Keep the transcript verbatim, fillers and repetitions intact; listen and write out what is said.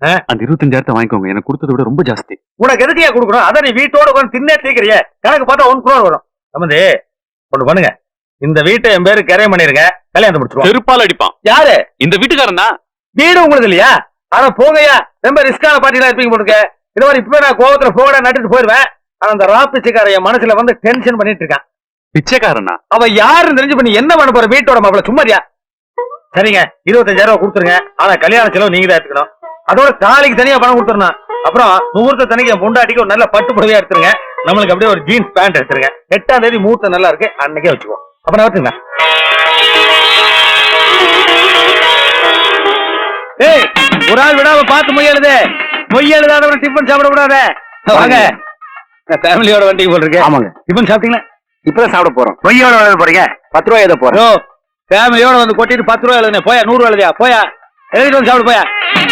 அந்த இருபத்தஞ்சாயிரத்தை வாங்கிக்கோங்க. எனக்கு கொடுத்ததை விட ரொம்ப ஜாஸ்தி. உனக்கு எதுக்கையா கொடுக்கணும்? அதான் நீ வீட்டோட உட்காந்து தின்னே தீக்கிறிய. கணக்கு பார்த்தா ஒன் குரோர் வரும். சம்பந்தி ஒண்ணு பண்ணுங்க, இந்த வீட்டை என் பேரு கரையம் பண்ணிருங்க, கல்யாணத்தை முடிச்சிருவோம். செருப்பால் அடிப்பான். யாரு? இந்த வீட்டுக்காரன் தான். வீடு உங்களுக்கு இல்லையா? ஆனா போங்கய்யா, ரொம்ப ரிஸ்கான பார்ட்டிலாம் இருப்பீங்க போட்டுக்க. இந்த மாதிரி இப்ப நான் கோவத்துல போகடா நட்டுட்டு போயிருவேன். ஆனா அந்த ராப்பிச்சைக்கார என் மனசுல வந்து டென்ஷன் பண்ணிட்டு இருக்கான். பிச்சைக்காரனா? அவ யாருன்னு தெரிஞ்சு பண்ணி என்ன பண்ண போற? வீட்டோட மாப்பிள சும்மாரியா? சரிங்க, இருபத்தஞ்சாயிரம் ரூபாய் கொடுத்துருங்க. ஆனா கல்யாண செலவு நீங்க தான் எடுத்துக்கணும். அதோட தாலிக்கு தனியா பணம் கொடுத்துருணும். அப்புறம் முகூர்த்த தனிக்கு என் பொண்டாட்டிக்கு ஒரு நல்ல பட்டு புடவையா எடுத்துருங்க. நம்மளுக்கு அப்படியே ஒரு ஜீன்ஸ் பேண்ட் எடுத்துருங்க. எட்டாம் தேதி முகூர்த்தம் நல்லா இருக்கு, அன்னைக்கே வச்சுக்குவோம். அப்புறம் வச்சுங்க. ஏய், ஒரு ஆள் விடாம பார்த்து மொய் எழுது. மொய் எழுதாதவரை டிஃபன் சாப்பிட கூடாது. வாங்க, ஃபேமிலியோட வண்டிக்கு போட்டுருக்கு. ஆமாங்க. டிஃபன் சாப்பிட்டீங்களா? இப்பதான் சாப்பிட போறோம். மொய்யோட எழுத போறீங்க? பத்து ரூபாய் எழுத போறோம். ஃபேமிலியோட வந்து கொட்டிட்டு பத்து ரூபாய் எழுதுனே. போயா, நூறு ரூபாய் எழுதியா? போயா, எழுதிட்டு வந்து சாப்பிடு போயா.